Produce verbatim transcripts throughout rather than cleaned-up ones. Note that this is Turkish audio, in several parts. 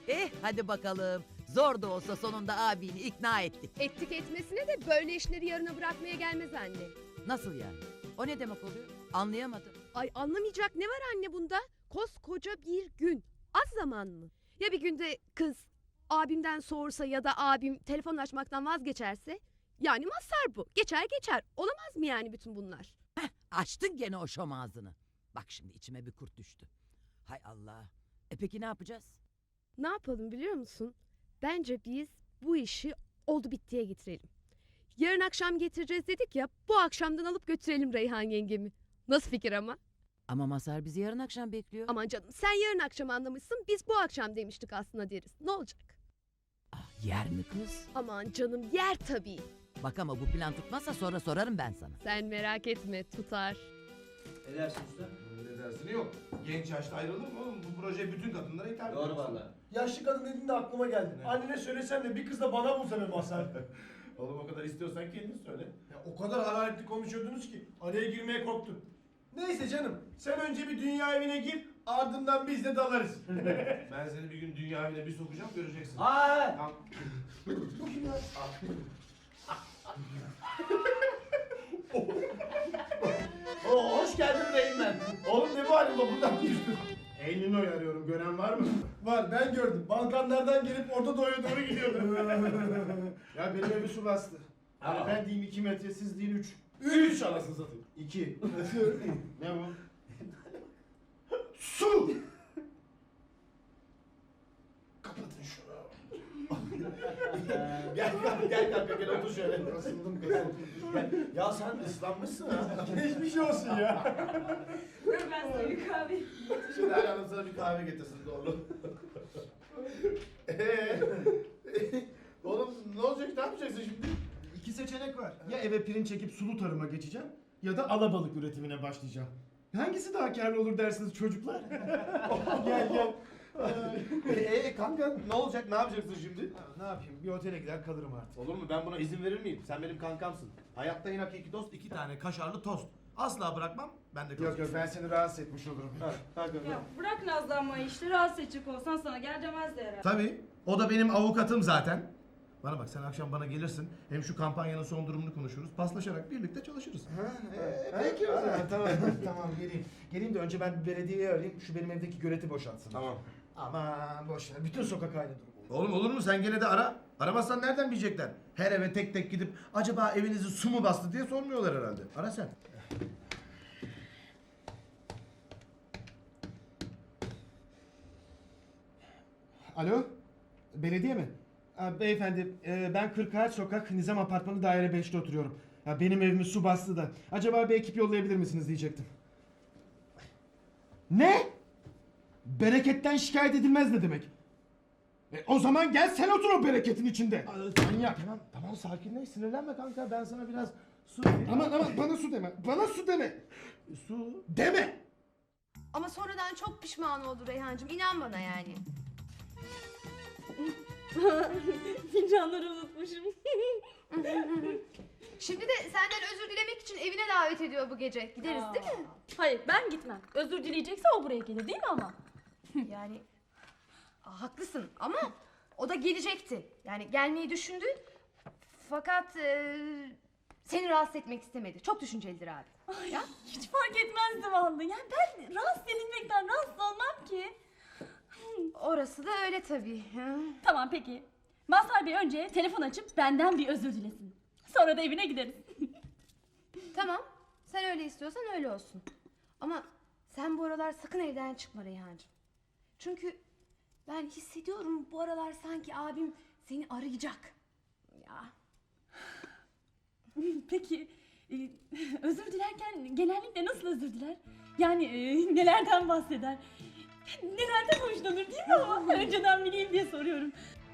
Eh hadi bakalım. Zor da olsa sonunda abini ikna ettik. Ettik etmesine de böyle işleri yarına bırakmaya gelmez anne. Nasıl yani? O ne demek oluyor? Anlayamadım. Ay anlamayacak ne var anne bunda? Koskoca bir gün. Az zaman mı? Ya bir günde kız abimden soğursa ya da abim telefon açmaktan vazgeçerse? Yani mazhar bu. Geçer geçer. Olamaz mı yani bütün bunlar? Açtın gene o şom ağzını. Bak şimdi içime bir kurt düştü. Hay Allah. E peki ne yapacağız? Ne yapalım biliyor musun? Bence biz bu işi oldu bittiye getirelim. Yarın akşam getireceğiz dedik ya, bu akşamdan alıp götürelim Reyhan yengemi. Nasıl fikir ama? Ama Mazhar bizi yarın akşam bekliyor. Aman canım sen yarın akşam anlamışsın, biz bu akşam demiştik aslında deriz. Ne olacak? Ah, yer mi kız? Aman canım yer tabii. Bak ama bu plan tutmazsa sonra sorarım ben sana. Sen merak etme tutar. Ne dersin usta? Ne dersini yok. Genç yaşta ayrılır mı oğlum? Bu proje bütün kadınlara hitap ediyor. Doğru valla. Yaşlı kadın dediğinde aklıma geldi. Ne? Annene söylesen de bir kız da bana bulsa be Mazhar. Oğlum o kadar istiyorsan kendin söyle. Ya o kadar hararetli konuşuyordunuz ki araya girmeye korktum. Neyse canım sen önce bir dünya evine gir ardından biz de dalarız. Ben seni bir gün dünya evine bir sokacağım göreceksin. Aa! Tamam. Bu kim ya? Oo, hoş geldin Reynmen. Oğlum ne bu halin buradan düştün? Eylül'ü arıyorum. Gören var mı? Var ben gördüm. Balkanlardan gelip Orta Doğu'ya doğru gidiyordu. Ya benim evi su bastı. Yani Aa. ben diyeyim iki metre, siz deyin üç. Üç anasını satayım. İki. Ne bu? Su! Kapatın şunu. Gel gel gel kanka gel otur şöyle. Asıldım kız. Ya sen ıslanmışsın ha. Geçmiş olsun ya. Dur ben sana bir kahve. Şimdi her hanım sana bir kahve getirsin doğru. Eee? Oğlum ne olacak, ne yapacaksın şimdi? İki seçenek var. Ya eve pirinç çekip sulu tarıma geçeceğim ya da alabalık üretimine başlayacağım. Hangisi daha karlı olur dersiniz çocuklar? Gel gel. Eee kanka ne olacak, ne yapacaksın şimdi? Ne yapayım? Bir otele gider kalırım artık. Olur mu? Ben buna izin verir miyim? Sen benim kankamsın. Hayatta en hakiki dost iki tane kaşarlı tost. Asla bırakmam. Ben de Yok yok ben seni rahatsız etmiş olurum. Ha, kanka. Ya bırak nazlanmayı işte rahatsız edecek olsan sana gel demezdi herhalde. Tabii. O da benim avukatım zaten. Bana bak sen akşam bana gelirsin. Hem şu kampanyanın son durumunu konuşuruz. Paslaşarak birlikte çalışırız. Peki o zaman. tamam tamam geleyim. Geleyim de önce ben bir belediyeyi arayayım. Şu benim evdeki göleti boşaltsın. Tamam. Aman boş ver. Bütün sokak aynı durum. Oğlum olur mu? Sen gene de ara. Aramazsan nereden bilecekler? Her eve tek tek gidip acaba evinizi su mu bastı diye sormuyorlar herhalde. Ara sen. Alo? Belediye mi? Ha, beyefendi e, ben Kırkağaç Sokak Nizam Apartmanı daire beşte oturuyorum. Ya, benim evimi su bastı da. Acaba bir ekip yollayabilir misiniz diyecektim. Ne? Bereketten şikayet edilmez ne demek? E, o zaman gel sen otur o bereketin içinde. Manyak. Tamam, tamam sakinleş. Sinirlenme kanka. Ben sana biraz su vereyim. Aman aman bana su deme. Bana su deme. Su. Deme. Ama sonradan çok pişman oldu Reyhancığım, inan bana yani. Fincanları unutmuşum. Şimdi de senden özür dilemek için evine davet ediyor bu gece. Gideriz değil mi? Hayır ben gitmem. Özür dileyecekse o buraya gelir değil mi ama? Yani Aa, haklısın ama o da gelecekti. Yani gelmeyi düşündü. Fakat e, seni rahatsız etmek istemedi. Çok düşüncelidir abi. Ay, ya? Hiç fark etmezdi vallahi. Yani ben rahatsız edilmekten rahatsız olmam ki. Orası da öyle tabii. Ha. Tamam peki. Mazhar Bey önce telefon açıp benden bir özür dilesin. Sonra da evine gideriz. Tamam. Sen öyle istiyorsan öyle olsun. Ama sen bu aralar sakın evden çıkma Reyhancığım. Çünkü ben hissediyorum bu aralar sanki abim seni arayacak. Ya. Peki e, özür dilerken genellikle nasıl özür diler? Yani e, nelerden bahseder? Nelerden hoşlanır değil mi ama? Önceden bileyim diye soruyorum.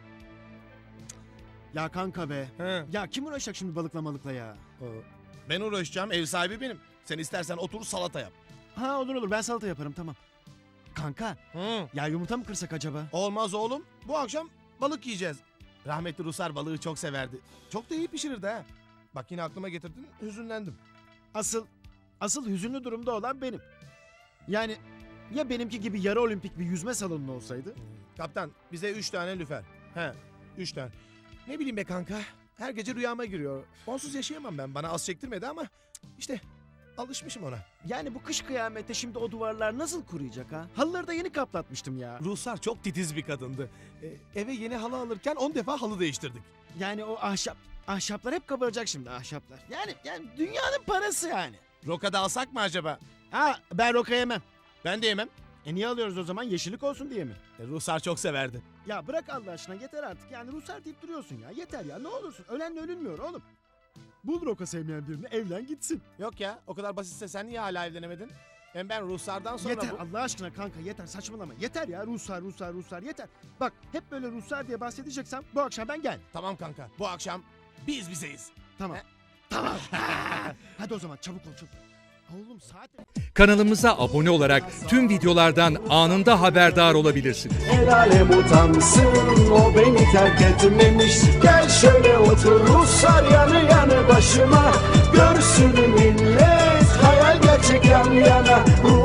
Ya kanka be. He. Ya kim uğraşacak şimdi balıkla malıkla ya? Ben uğraşacağım, ev sahibi benim. Sen istersen otur salata yap. Ha olur olur ben salata yaparım tamam. Kanka Hı. ya yumurta mı kırsak acaba? Olmaz oğlum. Bu akşam balık yiyeceğiz. Rahmetli Rusar balığı çok severdi. Çok da iyi pişirirdi ha. Bak yine aklıma getirdin, hüzünlendim. Asıl asıl hüzünlü durumda olan benim. Yani Ya benimki gibi yarı olimpik bir yüzme salonu olsaydı? Kaptan bize üç tane lüfer. He üç tane. Ne bileyim be kanka. Her gece rüyama giriyor. Onsuz yaşayamam ben. Bana az çektirmedi ama işte alışmışım ona. Yani bu kış kıyamette şimdi o duvarlar nasıl kuruyacak ha? Halıları da yeni kaplatmıştım ya. Ruhsar çok titiz bir kadındı. Ee, eve yeni halı alırken on defa halı değiştirdik. Yani o ahşap, ahşaplar hep kabaracak şimdi ahşaplar. Yani, yani dünyanın parası yani. Rokada alsak mı acaba? Ha ben roka yemem. Ben de yemem. E niye alıyoruz o zaman? Yeşillik olsun diye mi? E, Ruhsar çok severdi. Ya bırak Allah aşkına yeter artık. Yani Ruslar deyip duruyorsun ya. Yeter ya ne olursun. Ölenle ölünmüyor oğlum. Bul roka sevmeyen birini evlen gitsin. Yok ya o kadar basitse sen niye hala evlenemedin? Hem ben Ruhsar'dan sonra Yeter bu... Allah aşkına kanka yeter saçmalama. Yeter ya Ruslar Ruslar Ruslar yeter. Bak hep böyle Ruslar diye bahsedeceksem bu akşam ben gel. Tamam kanka bu akşam biz bizeyiz. Tamam. He? Tamam. Hadi o zaman çabuk ol çabuk. Oğlum saat... Kanalımıza abone olarak tüm videolardan anında haberdar olabilirsiniz. El alem utansın o beni terk etmemiş. Gel şöyle otur Ruslar yanı yanı başıma. Görsün millet hayal gerçek yan yana.